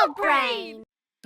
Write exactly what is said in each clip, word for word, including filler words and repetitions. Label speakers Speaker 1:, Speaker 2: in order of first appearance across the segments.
Speaker 1: Adult Brain.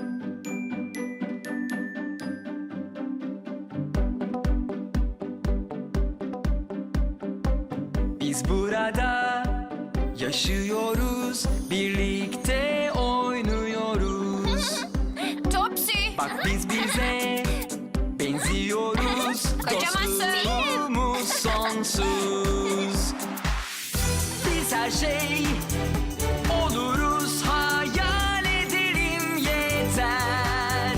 Speaker 2: Biz burada yaşıyoruz, birlikte oynuyoruz.
Speaker 1: Topsy.
Speaker 2: Bak biz bize benziyoruz.
Speaker 1: Kocaman
Speaker 2: Dostluğumuz sonsuz. Biz her şey oluruz, hayal edelim yeter.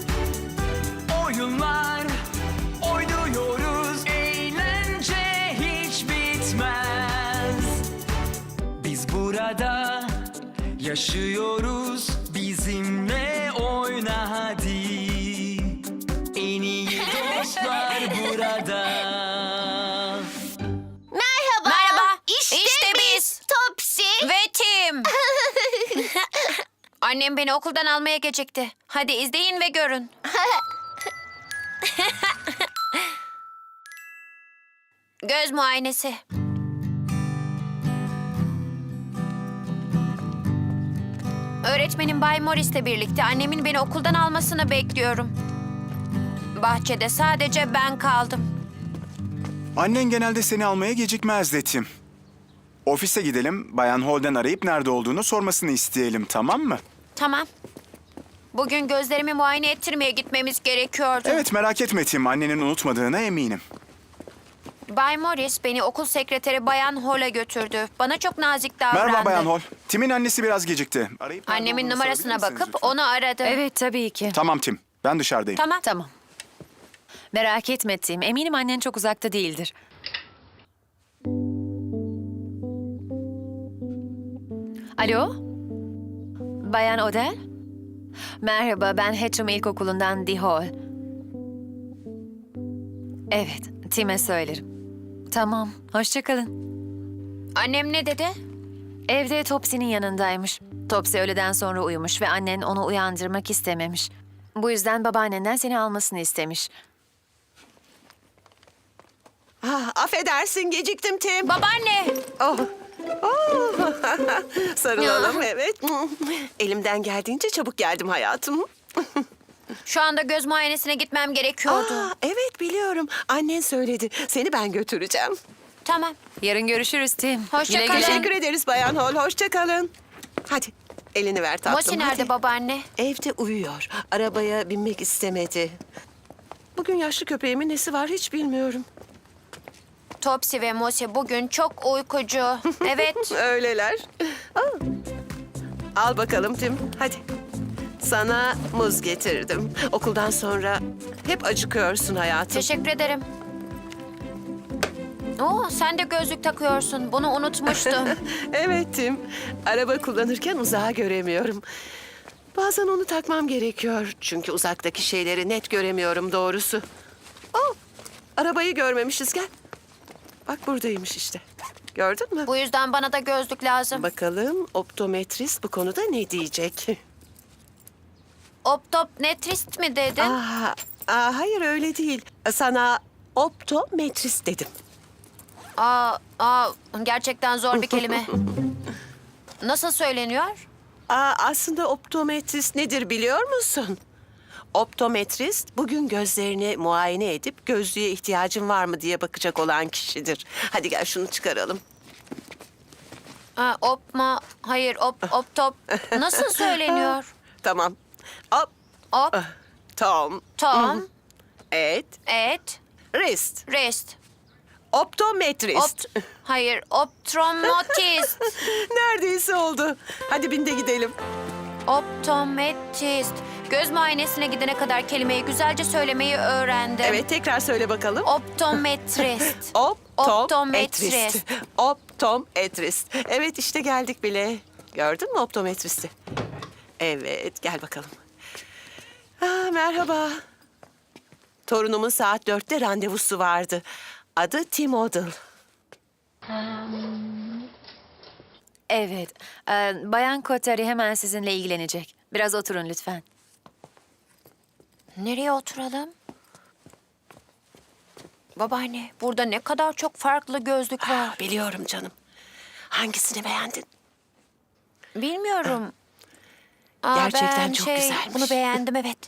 Speaker 2: Oyunlar oynuyoruz, eğlence hiç bitmez. Biz burada yaşıyoruz, bizimle oyna hadi. En iyi dostlar burada.
Speaker 1: Merhaba.
Speaker 3: Merhaba.
Speaker 1: İşte,
Speaker 3: İşte
Speaker 1: biz.
Speaker 3: biz.
Speaker 1: Topsy.
Speaker 3: Ve Tim. Annem beni okuldan almaya gecikti. Hadi izleyin ve görün. Göz muayenesi. Öğretmenim Bay Morris'le birlikte annemin beni okuldan almasını bekliyorum. Bahçede sadece ben kaldım.
Speaker 4: Annen genelde seni almaya gecikmezdi Tim. Ofise gidelim, Bayan Holden arayıp nerede olduğunu sormasını isteyelim, tamam mı?
Speaker 3: Tamam. Bugün gözlerimi muayene ettirmeye gitmemiz gerekiyordu.
Speaker 4: Evet, merak etme Tim, annenin unutmadığına eminim.
Speaker 3: Bay Morris beni okul sekreteri Bayan Hall'a götürdü. Bana çok nazik davrandı.
Speaker 4: Merhaba Bayan Hall. Tim'in annesi biraz gecikti. Arayıp nerede
Speaker 3: Annemin
Speaker 4: olduğunu
Speaker 3: numarasına
Speaker 4: sorabilir misiniz
Speaker 3: bakıp
Speaker 4: lütfen?
Speaker 3: onu aradı.
Speaker 5: Evet tabii ki.
Speaker 4: Tamam Tim, ben dışarıdayım.
Speaker 3: Tamam.
Speaker 5: Tamam. Merak etme Tim. Eminim annen çok uzakta değildir. Alo? Bayan Odell? Merhaba, ben Hatcham İlkokulu'ndan Dee Hall. Evet, Tim'e söylerim. Tamam, hoşça kalın.
Speaker 3: Annem ne dedi?
Speaker 5: Evde Topsy'nin yanındaymış. Topsy öğleden sonra uyumuş ve annen onu uyandırmak istememiş. Bu yüzden babaannenden seni almasını istemiş.
Speaker 6: Ah, affedersin geciktim Tim.
Speaker 3: Babaanne!
Speaker 6: Oh. Oh. Sarılalım evet. Elimden geldiğince çabuk geldim hayatım.
Speaker 3: Şu anda göz muayenesine gitmem gerekiyordu.
Speaker 6: Aa, evet biliyorum. Annen söyledi. Seni ben götüreceğim.
Speaker 3: Tamam.
Speaker 5: Yarın görüşürüz Tim.
Speaker 3: Hoşça
Speaker 5: Güle
Speaker 3: kalın.
Speaker 5: güle.
Speaker 6: Teşekkür ederiz Bayan Hall. Hoşça kalın. Hadi elini ver tatlım.
Speaker 3: Mosi nerede
Speaker 6: hadi.
Speaker 3: babaanne?
Speaker 6: Evde uyuyor. Arabaya binmek istemedi. Bugün yaşlı köpeğimin nesi var hiç bilmiyorum.
Speaker 3: Topsy ve Mosi bugün çok uykucu. Evet.
Speaker 6: Öyleler. Aa. Al bakalım Tim. Hadi. Sana muz getirdim. Okuldan sonra hep acıkıyorsun hayatım.
Speaker 3: Teşekkür ederim. Oo, sen de gözlük takıyorsun. Bunu unutmuştum.
Speaker 6: Evet Tim. Araba kullanırken uzağı göremiyorum. Bazen onu takmam gerekiyor. Çünkü uzaktaki şeyleri net göremiyorum doğrusu. Oh, arabayı görmemişiz gel. Bak buradaymış işte. Gördün mü?
Speaker 3: Bu yüzden bana da gözlük lazım.
Speaker 6: Bakalım optometrist bu konuda ne diyecek?
Speaker 3: Optometrist mi dedin?
Speaker 6: Aa, aa, hayır öyle değil. Sana optometrist dedim.
Speaker 3: Aa, aa, gerçekten zor bir kelime. Nasıl söyleniyor?
Speaker 6: Aa, aslında optometrist nedir biliyor musun? Optometrist bugün gözlerini muayene edip gözlüğe ihtiyacın var mı diye bakacak olan kişidir. Hadi gel şunu çıkaralım.
Speaker 3: Aa, opma, hayır, op, optop. Nasıl söyleniyor?
Speaker 6: Tamam. Op,
Speaker 3: Op,
Speaker 6: tom,
Speaker 3: tom,
Speaker 6: et,
Speaker 3: et,
Speaker 6: wrist.
Speaker 3: rest.
Speaker 6: Optometrist.
Speaker 3: Opt, hayır, optometrist.
Speaker 6: Neredeyse oldu. Hadi bin de gidelim.
Speaker 3: Optometrist. Göz muayenesine gidene kadar kelimeyi güzelce söylemeyi öğrendim.
Speaker 6: Evet tekrar söyle bakalım.
Speaker 3: Optometrist.
Speaker 6: Optometrist.
Speaker 3: Optometrist.
Speaker 6: Optometrist. Evet işte geldik bile. Gördün mü optometristi? Evet gel bakalım. Aa, merhaba. Torunumun saat dörtte randevusu vardı. Adı Tim Odell.
Speaker 5: Evet, e, Bayan Kotari hemen sizinle ilgilenecek. Biraz oturun lütfen.
Speaker 3: Nereye oturalım? Babaanne, burada ne kadar çok farklı gözlük var.
Speaker 6: Ah, biliyorum canım. Hangisini beğendin?
Speaker 3: Bilmiyorum. Aa,
Speaker 6: Gerçekten
Speaker 3: ben
Speaker 6: çok
Speaker 3: şey,
Speaker 6: güzelmiş.
Speaker 3: Bunu beğendim, evet.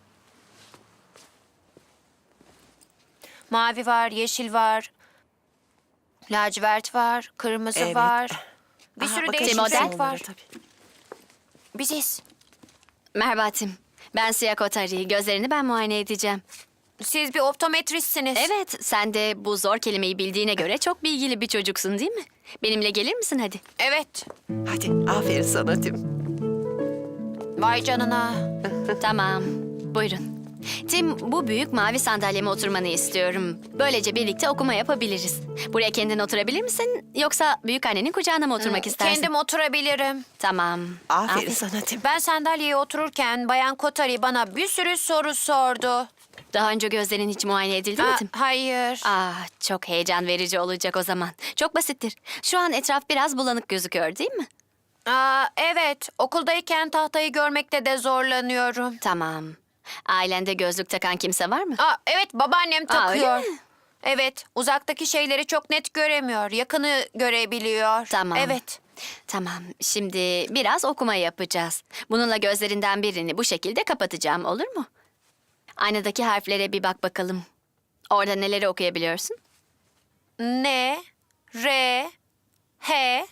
Speaker 3: Mavi var, yeşil var. Lacivert var, kırmızı
Speaker 6: Evet.
Speaker 3: var. Bir
Speaker 6: Aha,
Speaker 3: sürü
Speaker 6: bakın
Speaker 3: değişik
Speaker 6: şimdi
Speaker 3: renk
Speaker 6: onlara
Speaker 3: var.
Speaker 6: tabii.
Speaker 3: Biziz.
Speaker 7: Merhaba Tim. Ben Siya Kotari. Gözlerini ben muayene edeceğim.
Speaker 3: Siz bir optometristsiniz.
Speaker 7: Evet, sen de bu zor kelimeyi bildiğine göre çok bilgili bir çocuksun değil mi? Benimle gelir misin hadi?
Speaker 3: Evet.
Speaker 6: Hadi aferin sana Tim.
Speaker 3: Vay canına.
Speaker 7: Tamam, buyurun. Tim, bu büyük mavi sandalyeme oturmanı istiyorum. Böylece birlikte okuma yapabiliriz. Buraya kendin oturabilir misin? Yoksa büyük annenin kucağına mı oturmak istersin?
Speaker 3: Kendim oturabilirim.
Speaker 7: Tamam.
Speaker 6: Aferin sana Tim.
Speaker 3: Ben sandalyeye otururken Bayan Kotari bana bir sürü soru sordu.
Speaker 7: Daha önce gözlerin hiç muayene edildi mi
Speaker 3: Aa,
Speaker 7: Tim?
Speaker 3: hayır.
Speaker 7: Ah, çok heyecan verici olacak o zaman. Çok basittir. Şu an etraf biraz bulanık gözüküyor değil mi?
Speaker 3: Aa, evet. Okuldayken tahtayı görmekte de zorlanıyorum.
Speaker 7: Tamam. Ailende gözlük takan kimse var mı?
Speaker 3: Aa, evet, babaannem
Speaker 7: Aa, öyle
Speaker 3: takıyor.
Speaker 7: mi?
Speaker 3: Evet, uzaktaki şeyleri çok net göremiyor. Yakını görebiliyor.
Speaker 7: Tamam.
Speaker 3: Evet.
Speaker 7: Tamam, şimdi biraz okuma yapacağız. Bununla gözlerinden birini bu şekilde kapatacağım, olur mu? Aynadaki harflere bir bak bakalım. Orada neleri okuyabiliyorsun?
Speaker 3: N, R, H,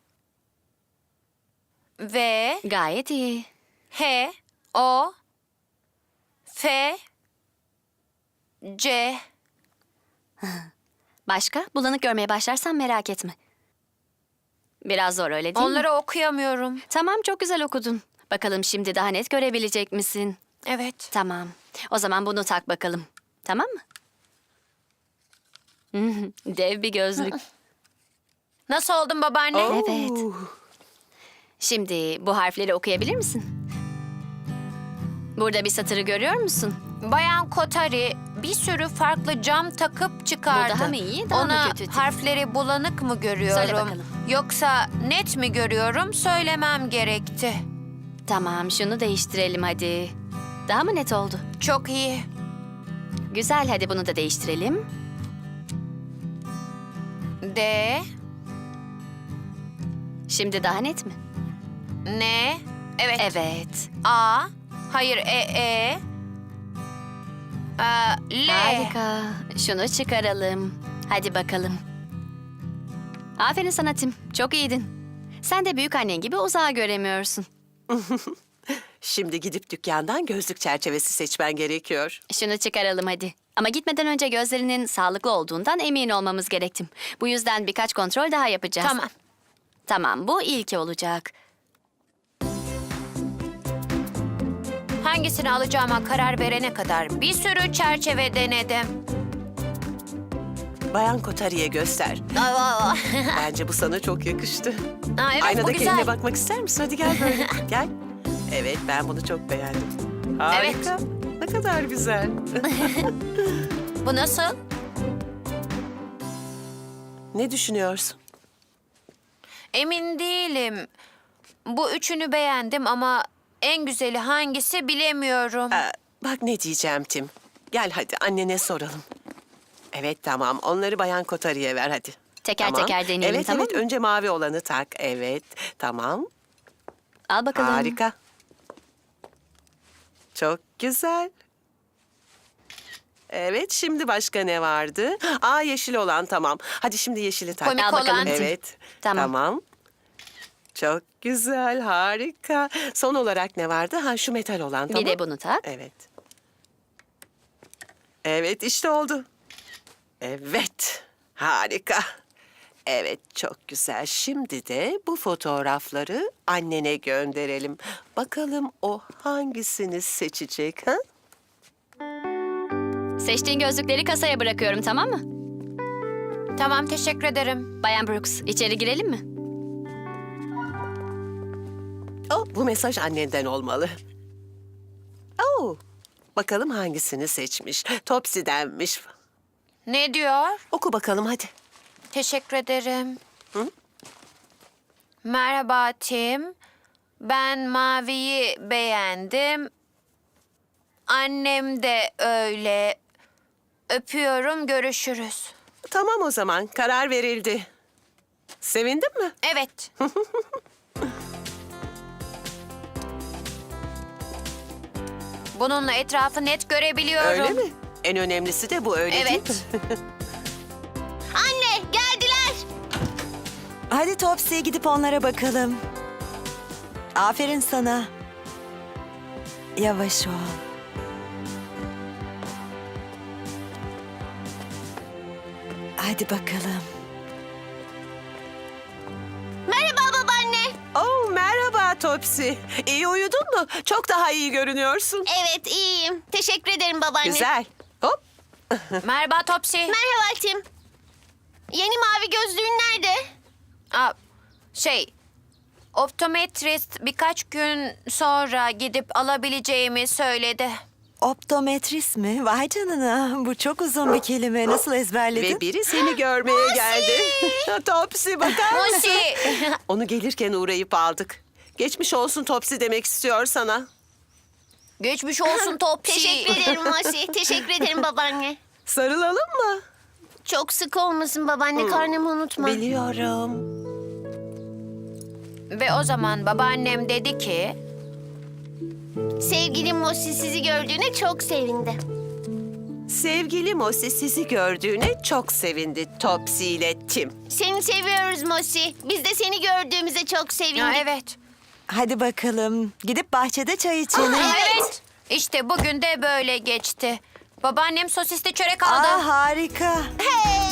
Speaker 3: V,
Speaker 7: Gayet iyi.
Speaker 3: H, O, F, C.
Speaker 7: Başka? Bulanık görmeye başlarsan merak etme. Biraz zor öyle değil mi?
Speaker 3: Onları okuyamıyorum.
Speaker 7: Tamam, çok güzel okudun. Bakalım şimdi daha net görebilecek misin?
Speaker 3: Evet.
Speaker 7: Tamam. O zaman bunu tak bakalım. Tamam mı? Dev bir gözlük.
Speaker 3: Nasıl oldun babaanne?
Speaker 7: Evet.
Speaker 6: Oo,
Speaker 7: Şimdi bu harfleri okuyabilir misin? Burada bir satırı görüyor musun?
Speaker 3: Bayan Kotari bir sürü farklı cam takıp çıkardı.
Speaker 7: Bu daha mı iyi, daha mı
Speaker 3: Ona
Speaker 7: kötü?
Speaker 3: harfleri bulanık mı görüyorum?
Speaker 7: Söyle bakalım.
Speaker 3: Yoksa net mi görüyorum? Söylemem gerekti.
Speaker 7: Tamam, şunu değiştirelim hadi. Daha mı net oldu?
Speaker 3: Çok iyi.
Speaker 7: Güzel, hadi bunu da değiştirelim.
Speaker 3: D,
Speaker 7: Şimdi daha net mi?
Speaker 3: N, evet.
Speaker 7: Evet.
Speaker 3: A, hayır E, E. Aa, L.
Speaker 7: Harika. Şunu çıkaralım. Hadi bakalım. Aferin sana Tim. Çok iyiydin. Sen de büyük annen gibi uzağa göremiyorsun.
Speaker 6: Şimdi gidip dükkandan gözlük çerçevesi seçmen gerekiyor.
Speaker 7: Şunu çıkaralım hadi. Ama gitmeden önce gözlerinin sağlıklı olduğundan emin olmamız gerektim. Bu yüzden birkaç kontrol daha yapacağız.
Speaker 3: Tamam.
Speaker 7: Tamam, bu ilki olacak.
Speaker 3: Hangisini alacağıma karar verene kadar bir sürü çerçeve denedim.
Speaker 6: Bayan Kotari'ye göster.
Speaker 3: Aa,
Speaker 6: Bence bu sana çok yakıştı.
Speaker 3: Aa, evet, bu
Speaker 6: Aynada
Speaker 3: güzel.
Speaker 6: kendine bakmak ister misin? Hadi gel böyle. Gel. Evet, ben bunu çok beğendim. Harika. Ne kadar güzel.
Speaker 3: Bu nasıl?
Speaker 6: Ne düşünüyorsun?
Speaker 3: Emin değilim. Bu üçünü beğendim ama en güzeli hangisi bilemiyorum.
Speaker 6: Ee, bak ne diyeceğim Tim. Gel hadi annene soralım. Evet tamam, onları Bayan Kotari'ye ver hadi.
Speaker 7: Teker
Speaker 6: Tamam.
Speaker 7: teker deneyelim,
Speaker 6: evet,
Speaker 7: tamam
Speaker 6: evet,
Speaker 7: mı?
Speaker 6: önce mavi olanı tak. Evet, tamam.
Speaker 7: Al bakalım.
Speaker 6: Harika. Çok güzel. Evet, şimdi başka ne vardı? Aa, yeşil olan, tamam. Hadi şimdi yeşili tak.
Speaker 3: Komik
Speaker 7: Al bakalım
Speaker 3: olan.
Speaker 7: Tim.
Speaker 6: Evet,
Speaker 7: Tamam.
Speaker 6: tamam. Çok güzel, harika. Son olarak ne vardı? Ha, şu metal olan, tamam.
Speaker 7: Bir de bunu tak.
Speaker 6: Evet. Evet, işte oldu. Evet, harika. Evet, çok güzel. Şimdi de bu fotoğrafları annene gönderelim. Bakalım o hangisini seçecek, ha?
Speaker 7: Seçtiğin gözlükleri kasaya bırakıyorum, tamam mı?
Speaker 3: Tamam, teşekkür ederim.
Speaker 7: Bayan Brooks, içeri girelim mi?
Speaker 6: Oh, bu mesaj annenden olmalı. Oh, bakalım hangisini seçmiş. Topsy'denmiş.
Speaker 3: Ne diyor?
Speaker 6: Oku bakalım hadi.
Speaker 3: Teşekkür ederim.
Speaker 6: Hı?
Speaker 3: Merhaba Tim. Ben maviyi beğendim. Annem de öyle. Öpüyorum, görüşürüz.
Speaker 6: Tamam o zaman, karar verildi. Sevindin mi?
Speaker 3: Evet. Bununla etrafı net görebiliyorum.
Speaker 6: Öyle mi? En önemlisi de bu, öyle
Speaker 3: Evet.
Speaker 6: değil mi?
Speaker 1: Anne geldiler.
Speaker 8: Hadi Topsy, gidip onlara bakalım. Aferin sana. Yavaş ol. Hadi bakalım.
Speaker 1: Merhaba babaanne.
Speaker 6: Oh, merhaba Topsy. İyi uyudun mu? Çok daha iyi görünüyorsun.
Speaker 1: Evet iyiyim. Teşekkür ederim babaanne.
Speaker 6: Güzel. Hop.
Speaker 3: Merhaba Topsy.
Speaker 1: Merhaba Tim. Yeni mavi gözlüğün nerede?
Speaker 3: Aa, şey, optometrist birkaç gün sonra gidip alabileceğimi söyledi.
Speaker 8: Optometrist mi? Vay canına. Bu çok uzun bir kelime. Nasıl ezberledin?
Speaker 6: Ve biri seni görmeye geldi. Topsy, bakar mısın?
Speaker 3: Mosi.
Speaker 6: Onu gelirken uğrayıp aldık. Geçmiş olsun Topsy demek istiyor sana.
Speaker 3: Geçmiş olsun Topsy.
Speaker 1: Teşekkür ederim Mosi. Teşekkür ederim babaanne.
Speaker 6: Sarılalım mı?
Speaker 1: Çok sık olmasın babaanne. Karnımı unutma.
Speaker 6: Biliyorum.
Speaker 3: Ve o zaman babaannem dedi ki...
Speaker 1: Sevgili Mosi sizi gördüğüne çok sevindi.
Speaker 6: Sevgili Mosi sizi gördüğüne çok sevindi Topsy ile Tim.
Speaker 1: Seni seviyoruz Mosi. Biz de seni gördüğümüze çok sevindik.
Speaker 3: Ya, evet.
Speaker 8: Hadi bakalım. Gidip bahçede çay içelim.
Speaker 3: Evet. İşte bugün de böyle geçti. Babaannem sosisli çörek aldı.
Speaker 8: Aa, harika.
Speaker 1: Hey!